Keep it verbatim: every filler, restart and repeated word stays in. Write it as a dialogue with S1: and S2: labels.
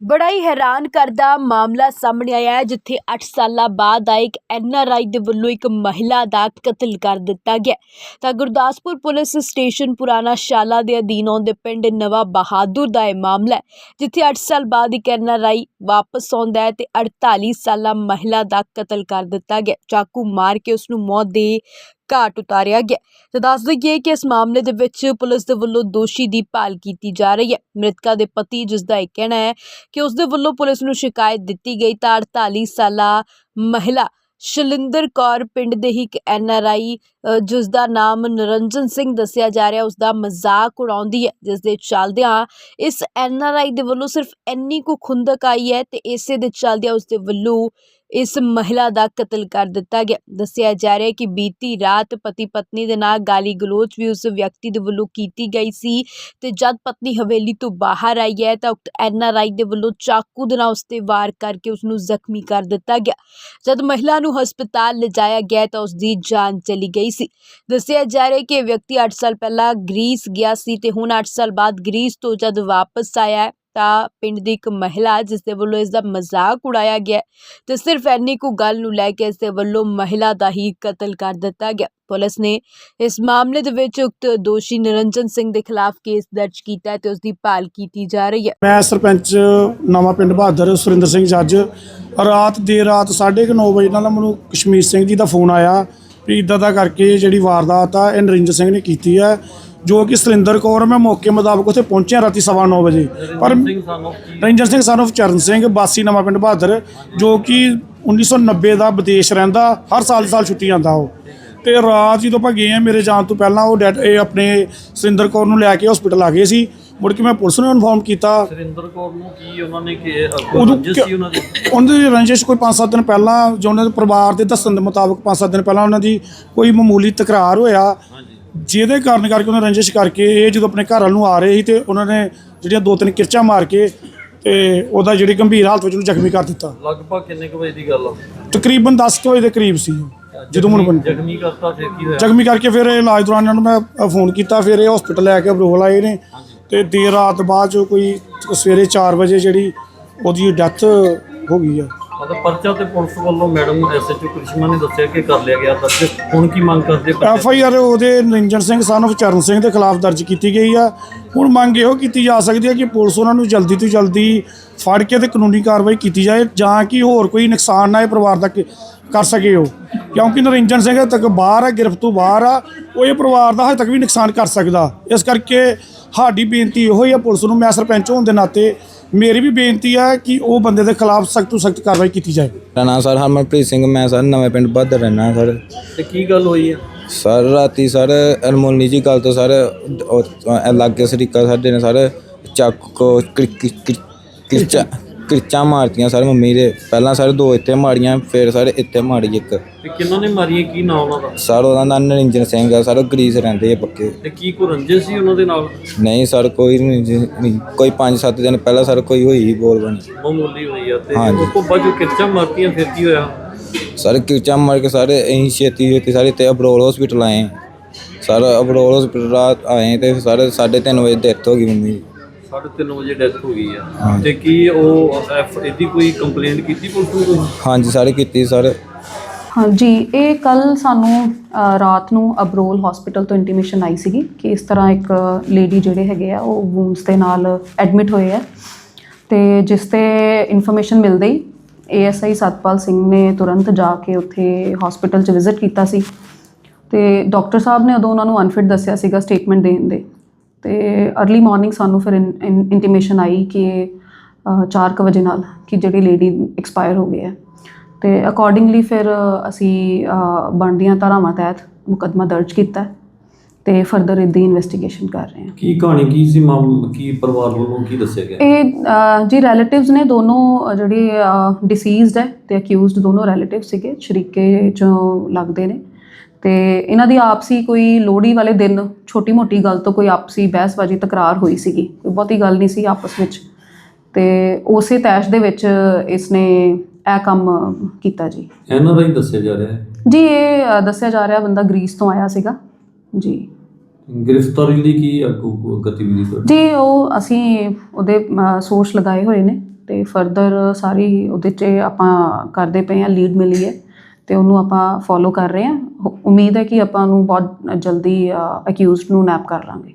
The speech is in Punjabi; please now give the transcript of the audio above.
S1: बड़ा ही हैरान करदा मामला सामने आया है जिथे अठ साल बाद आए एक एन आर आई दे वल्लों एक महिला का कतल कर दिता गया। तो गुरदासपुर पुलिस स्टेशन पुराना शाला के अधीन आउंदे पिंड नवा बहादुर का यह मामला है जिथे अठ साल बाद एक एन आर आई वापस आउंदा है ते अड़ताली साल महिला का कतल कर दिता गया। चाकू मार के उसनू मौत दे घाट उतारिया गया। तो दस दईए कि इस मामले दे विच पुलिस दे वल्लों दोषी की भाल की जा रही है। मृतका दे पति जिसका यह कहना है कि उसदे वल्लों पुलिस नूं शिकायत दी गई तो अड़ताली साल महिला शलिंदर कौर पिंड दे ही एक एन आर आई जिसका नाम निरंजन सिंह दसिया जा रहा उसका मजाक उड़ाउंदी है, जिस दे चलदियां इस एन आर आई दे वल्लों सिर्फ इन्नी को खुंदक आई है ते इसे दे चलदियां उसदे वल्लों इस महिला का कतल कर दिता गया। दसिया जा रहा है कि बीती रात पति पत्नी दे नाल गाली गलोच भी उस व्यक्ति दे वल्लों कीती गई सी ते जद पत्नी हवेली तो बाहर आई है तो एन आर आई दे वल्लों चाकू दे नाल उस ते वार करके उसनूं जख्मी कर दिता गया। जद महिला नूं हस्पताल ले जाया गया तो उसकी जान चली गई सी। दसिया जा रहा है कि व्यक्ति अठ साल पहला ग्रीस गया सी ते हुण अठ साल बाद ग्रीस तो जद वापस आया है ਤਾਂ ਪਿੰਡ ਦੀ ਇੱਕ ਮਹਿਲਾ ਜਿਸ ਦੇ ਵੱਲੋਂ ਇਸ ਦਾ ਮਜ਼ਾਕ ਉਡਾਇਆ ਗਿਆ ਤੇ ਸਿਰਫ ਇੰਨੀ ਕੁ ਗੱਲ ਨੂੰ ਲੈ ਕੇ ਇਸ ਦੇ ਵੱਲੋਂ ਮਹਿਲਾ ਦਾ ਹੀ ਕਤਲ ਕਰ ਦਿੱਤਾ ਗਿਆ। ਪੁਲਿਸ ਨੇ ਇਸ ਮਾਮਲੇ ਦੇ ਵਿੱਚ ਉਕਤ ਦੋਸ਼ੀ ਨਿਰੰਜਨ ਸਿੰਘ ਦੇ ਖਿਲਾਫ ਕੇਸ ਦਰਜ ਕੀਤਾ ਹੈ ਤੇ ਉਸ ਦੀ ਭਾਲ ਕੀਤੀ ਜਾ ਰਹੀ ਹੈ।
S2: ਮੈਂ ਸਰਪੰਚ ਨਵਾਂ ਪਿੰਡ ਬਹਾਦਰ ਸੁਰਿੰਦਰ ਸਿੰਘ ਜੱਜ ਰਾਤ ਦੇਰ ਰਾਤ ਸਾਢੇ ਕੁ ਨੌ ਵਜੇ ਨਾਲ ਮੈਨੂੰ ਕਸ਼ਮੀਰ ਸਿੰਘ ਜੀ ਦਾ ਫੋਨ ਆਇਆ ਵੀ ਇੱਦਾਂ ਦਾ ਕਰਕੇ ਜਿਹੜੀ ਵਾਰਦਾਤ ਆ ਇਹ ਨਿਰੰਜਨ ਸਿੰਘ ਨੇ ਕੀਤੀ ਹੈ जो कि सुरिंदर कौर मैं मौके मुताबिक उत्थे पहुंचे राती सवा नौ बजे पर रंजन सिंह सन ऑफ चरण सिंह बासी नवा पिंड बहादुर जो कि उन्नीस सौ नब्बे का विदेश रहिंदा हर साल साल छुट्टी आंदा वो तो रात जो आप गए हैं मेरे जान तो पहला वो डैड अपने सुरिंदर कौर नूं लैके हॉस्पिटल आ गए सी मुड़ के मैं पुलिस नूं इन्फॉर्म किया रंजिश कोई पाँच सत्त दिन पहला जो उन्होंने परिवार के दस्सण के मुताबिक पाँच सत्त दिन पहला उन्होंने कोई मामूली तकरार होया ਜਿਹਦੇ ਕਾਰਨ ਕਰਕੇ ਉਹਨਾਂ ਰੰਜਿਸ਼ ਕਰਕੇ ਇਹ ਜਦੋਂ ਆਪਣੇ ਘਰ ਵੱਲ ਨੂੰ ਆ ਰਹੇ ਸੀ ਤੇ ਉਹਨਾਂ ਨੇ ਜਿਹੜੀਆਂ ਦੋ ਤਿੰਨ ਕਿਰਚਾਂ ਮਾਰ ਕੇ ਤੇ ਉਹਦਾ ਜਿਹੜੀ ਗੰਭੀਰ ਹਾਲਤ ਵਿੱਚ ਉਹਨੂੰ ਜ਼ਖਮੀ ਕਰ ਦਿੱਤਾ।
S3: ਲਗਭਗ ਕਿੰਨੇ ਕੁ ਵਜੇ ਦੀ ਗੱਲ ਆ?
S2: ਤਕਰੀਬਨ ਦਸ ਕੁ ਵਜੇ ਦੇ ਕਰੀਬ ਸੀ ਜਦੋਂ ਮੈਨੂੰ
S3: ਜ਼ਖਮੀ ਕਰਤਾ। ਫਿਰ ਕੀ ਹੋਇਆ?
S2: ਜ਼ਖਮੀ ਕਰਕੇ ਫਿਰ ਇਲਾਜ ਦੌਰਾਨ ਇਹਨਾਂ ਨੂੰ ਮੈਂ ਫੋਨ ਕੀਤਾ, ਫਿਰ ਇਹ ਹਸਪੀਟਲ ਲੈ ਕੇ ਅਬਰੋਲ ਆਏ ਨੇ ਤੇ ਦੇਰ ਰਾਤ ਬਾਅਦ ਜੋ ਕੋਈ ਸਵੇਰੇ ਚਾਰ ਵਜੇ ਜਿਹੜੀ ਉਹਦੀ ਡੈਥ ਹੋ ਗਈ ਆ।
S3: ਮਤਲਬ ਪਰਚਾ ਤੇ ਪੁਲਿਸ ਵੱਲੋਂ madam S H O Karishma ਨੇ ਦੱਸਿਆ ਕਿ ਕਰ ਲਿਆ ਗਿਆ ਦਰਜ। ਹੁਣ ਕੀ ਮੰਗ ਕਰਦੇ?
S2: ਐਫ ਆਈ ਆਰ ਉਹਦੇ ਨਿਰੰਜਨ ਸਿੰਘ ਸਨ ਆਫ ਚਰਨ ਸਿੰਘ ਦੇ ਖਿਲਾਫ ਦਰਜ ਕੀਤੀ ਗਈ ਆ। ਹੁਣ ਮੰਗ ਇਹੋ ਕੀਤੀ ਜਾ ਸਕਦੀ ਹੈ ਕਿ ਪੁਲਿਸ ਉਹਨਾਂ ਨੂੰ ਜਲਦੀ ਤੋਂ ਜਲਦੀ ਫੜ ਕੇ ਤੇ ਕਾਨੂੰਨੀ ਕਾਰਵਾਈ ਕੀਤੀ ਜਾਏ ਜਾਂ ਕਿ ਹੋਰ ਕੋਈ ਨੁਕਸਾਨ ਨਾ ਇਹ ਪਰਿਵਾਰ ਦਾ ਕਰ ਸਕੇ ਉਹ, ਕਿਉਂਕਿ ਨਿਰੰਜਨ ਸਿੰਘ ਹਜੇ ਤੱਕ ਬਾਹਰ ਆ, ਗਿਰਫਤ ਤੋਂ ਬਾਹਰ ਆ, ਉਹ ਇਹ ਪਰਿਵਾਰ ਦਾ ਹਜੇ ਤੱਕ ਵੀ ਨੁਕਸਾਨ ਕਰ ਸਕਦਾ। ਇਸ ਕਰਕੇ ਸਾਡੀ ਬੇਨਤੀ ਇਹੋ ਹੀ ਆ ਪੁਲਿਸ ਨੂੰ, ਮੈਂ ਸਰਪੰਚ ਹੋਣ ਦੇ ਨਾਤੇ मेरी भी बेनती है कि वो बंदे के खिलाफ सख्त तो सख्त कार्रवाई की जाए।
S4: मेरा नाम सर हरमनप्रीत सिंह, मैं सर नवे पिंड बहादुर रहना सर।
S3: ते की गल हुई है
S4: सर? राती सर अनमोली जी गल तो सर लागे सरीका साडे ने सर चाकू किरचा किरचा मारतियां सर मम्मी दे। पहला सर दो इत्थे मारियां, फिर सर इत्थे मारी एक।
S3: ते किन्हां ने मारियां? की नाम उन्हां दा?
S4: सर उहदा नाम निरंजन सिंह है सर, ग्रीस रहिंदे आ पक्के।
S3: ते की कोई रंजिश सी उन्हां दे नाल?
S4: नहीं सर कोई नहीं, कोई पाँच सत्त दिन पहला सर कोई हुई बोल बनी
S3: मामूली हुई है। ते उस तो बाद जो किरचा मारतियां फिर की होया?
S4: सर किरचा मार के सर अं छेती छेती सर इतने अबरोल हॉस्पिटल आए सर। अबरोल हॉस्पिटल रात आए तो साढ़े साढ़े तीन बजे डेथ हो गई मम्मी।
S3: साढ़े तीन बजे डेथ हो गई है। ते की ਉਹ ਐਫ ਇਹਦੀ ਕੋਈ ਕੰਪਲੇਂਟ ਕੀਤੀ ਪੁਲਿਸ ਨੂੰ?
S4: ਹਾਂਜੀ ਸਾਰੇ ਕੀਤੀ ਸਰ।
S5: हाँ जी, ये कल सानू रात ਨੂੰ ਅਬਰੋਲ ਹਸਪੀਟਲ ਤੋਂ ਇੰਟੀਮੇਸ਼ਨ ਆਈ ਸੀਗੀ ਕਿ ਇਸ ਤਰ੍ਹਾਂ ਇੱਕ ਲੇਡੀ ਜਿਹੜੇ ਹੈਗੇ ਆ ਉਹ ਵੂਨਸ ਦੇ ਨਾਲ ਐਡਮਿਟ ਹੋਏ ਆ ਤੇ ਜਿਸ ਤੇ ਇਨਫੋਰਮੇਸ਼ਨ ਮਿਲਦੇ ਹੀ A S I Satpal Singh ਨੇ ਤੁਰੰਤ ਜਾ ਕੇ ਉੱਥੇ ਹਸਪੀਟਲ 'ਚ ਵਿਜ਼ਿਟ ਕੀਤਾ ਸੀ ਤੇ ਡਾਕਟਰ ਸਾਹਿਬ ਨੇ ਉਦੋਂ ਉਹਨਾਂ ਨੂੰ ਅਨਫਿਟ ਦੱਸਿਆ ਸੀਗਾ ਸਟੇਟਮੈਂਟ ਦੇਣ ਦੇ। ਤੇ अर्ਲੀ ਮਾਰਨਿੰਗ ਸਾਨੂੰ ਫਿਰ ਇੰਟੀਮੇਸ਼ਨ ਆਈ ਕਿ ਚਾਰ ਕੁ ਵਜੇ ਨਾਲ ਕਿ ਜਿਹੜੀ ਲੇਡੀ ਐਕਸਪਾਇਰ ਹੋ ਗਈ ਹੈ ਤੇ ਅਕੋਰਡਿੰਗਲੀ ਫਿਰ ਅਸੀਂ ਬਣਦੀਆਂ ਧਾਰਾਵਾਂ ਤਹਿਤ ਮੁਕੱਦਮਾ ਦਰਜ ਕੀਤਾ ਤੇ ਫਰਦਰ ਇਹਦੀ ਇਨਵੈਸਟੀਗੇਸ਼ਨ ਕਰ ਰਹੇ ਹਾਂ।
S3: ਕੀ ਕਹਾਣੀ ਕੀ ਸੀ ਮਾਮ ਕੀ ਪਰਿਵਾਰ ਵੱਲੋਂ ਕੀ ਦੱਸਿਆ ਗਿਆ?
S5: ਇਹ ਜੀ ਰਿਲੇਟਿਵਸ ਨੇ ਦੋਨੋਂ ਜਿਹੜੇ ਡਿਸੀਜ਼ਡ ਹੈ ਤੇ ਅਕਿਊਜ਼ਡ ਦੋਨੋਂ ਰਿਲੇਟਿਵ ਸੀਗੇ, ਸ਼ਰੀਕੇ ਚੋਂ ਲੱਗਦੇ ਨੇ ਤੇ ਇਹਨਾਂ ਦੀ ਆਪਸੀ ਕੋਈ ਲੋਹੜੀ ਵਾਲੇ ਦਿਨ ਛੋਟੀ ਮੋਟੀ ਗੱਲ ਤੋਂ ਕੋਈ ਆਪਸੀ ਬਹਿਸਬਾਜ਼ੀ ਤਕਰਾਰ ਹੋਈ ਸੀਗੀ, ਕੋਈ ਬਹੁਤੀ ਗੱਲ ਨਹੀਂ ਸੀ ਆਪਸ ਵਿੱਚ ਤੇ ਉਸੇ ਤੈਸ਼ ਦੇ ਵਿੱਚ ਇਸਨੇ ਇਹ ਕੰਮ ਕੀਤਾ ਜੀ।
S3: ਐਨ ਆਰ ਆਈ ਦੱਸਿਆ ਜਾ ਰਿਹਾ ਹੈ
S5: ਜੀ, ਇਹ ਦੱਸਿਆ ਜਾ ਰਿਹਾ ਬੰਦਾ ਗ੍ਰੀਸ ਤੋਂ ਆਇਆ ਸੀਗਾ ਜੀ।
S3: ਗ੍ਰਿਫਤਾਰੀ ਲਈ ਕੀ ਅੱਗੋਂ ਗਤੀਵਿਧੀ?
S5: ਜੀ ਉਹ ਅਸੀਂ ਉਹਦੇ ਸੋਰਸ ਲਗਾਏ ਹੋਏ ਨੇ ਤੇ ਫਰਦਰ ਸਾਰੀ ਉਹਦੇ 'ਚ ਆਪਾਂ ਕਰਦੇ ਪਏ ਹਾਂ, ਲੀਡ ਮਿਲੀ ਹੈ ਤੇ ਉਹਨੂੰ ਆਪਾਂ ਫੋਲੋ ਕਰ ਰਹੇ ਹਾਂ। ਹੋ- ਉਮੀਦ ਹੈ ਕਿ ਆਪਾਂ ਉਹਨੂੰ ਬਹੁਤ ਜਲਦੀ ਅਕਿਊਜ਼ਡ ਨੂੰ ਨੈਪ ਕਰ ਲਾਂਗੇ।